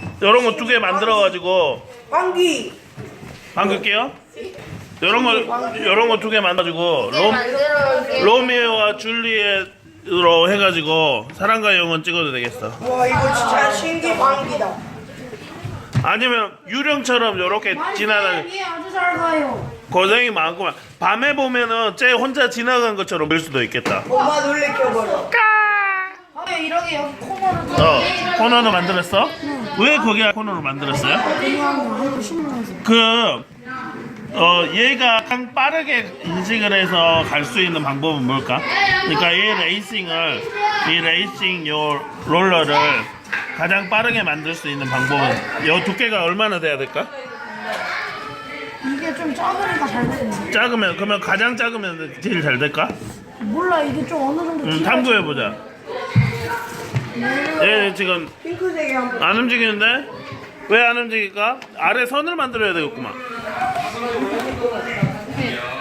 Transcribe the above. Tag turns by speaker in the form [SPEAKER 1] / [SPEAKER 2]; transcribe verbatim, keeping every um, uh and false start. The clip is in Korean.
[SPEAKER 1] 이런 거 두 개 만들어가지고
[SPEAKER 2] 방귀.
[SPEAKER 1] 바꿀게요. 이런 거 이런 거 두 개 만들어가지고
[SPEAKER 3] 네,
[SPEAKER 1] 로,
[SPEAKER 3] 만들어올게요.
[SPEAKER 1] 로미오와 줄리엣으로 해가지고 사랑과 영혼 찍어도 되겠어.
[SPEAKER 2] 와 이거 진짜 신기 방귀다.
[SPEAKER 1] 아니면 유령처럼 이렇게 지나가는
[SPEAKER 4] 얘 아주 잘 가요.
[SPEAKER 1] 고생이 많구만. 밤에 보면은 쟤 혼자 지나간 것처럼 볼 수도 있겠다.
[SPEAKER 2] 엄마 놀래켜버려.
[SPEAKER 4] 아, 이렇게 여기 코너를
[SPEAKER 1] 어, 코너로 만들었어? 왜 거기 코너로 만들었어요?
[SPEAKER 4] 하고 신문에서.
[SPEAKER 1] 그, 어, 얘가 가장 빠르게 인식을 해서 갈 수 있는 방법은 뭘까? 그러니까 이 레이싱을, 이 레이싱 요 롤러를 가장 빠르게 만들 수 있는 방법은 요 두께가 얼마나 돼야 될까?
[SPEAKER 4] 이게 좀 작으니까 잘 되네.
[SPEAKER 1] 작으면, 그러면 가장 작으면 제일 잘 될까?
[SPEAKER 4] 몰라, 이게 좀 어느 정도.
[SPEAKER 1] 음,
[SPEAKER 4] 키가
[SPEAKER 1] 탐구해보자. 얘 지금
[SPEAKER 2] 핑크색이 한 번.
[SPEAKER 1] 안 움직이는데? 왜 안 움직일까? 아래 선을 만들어야 되겠구만.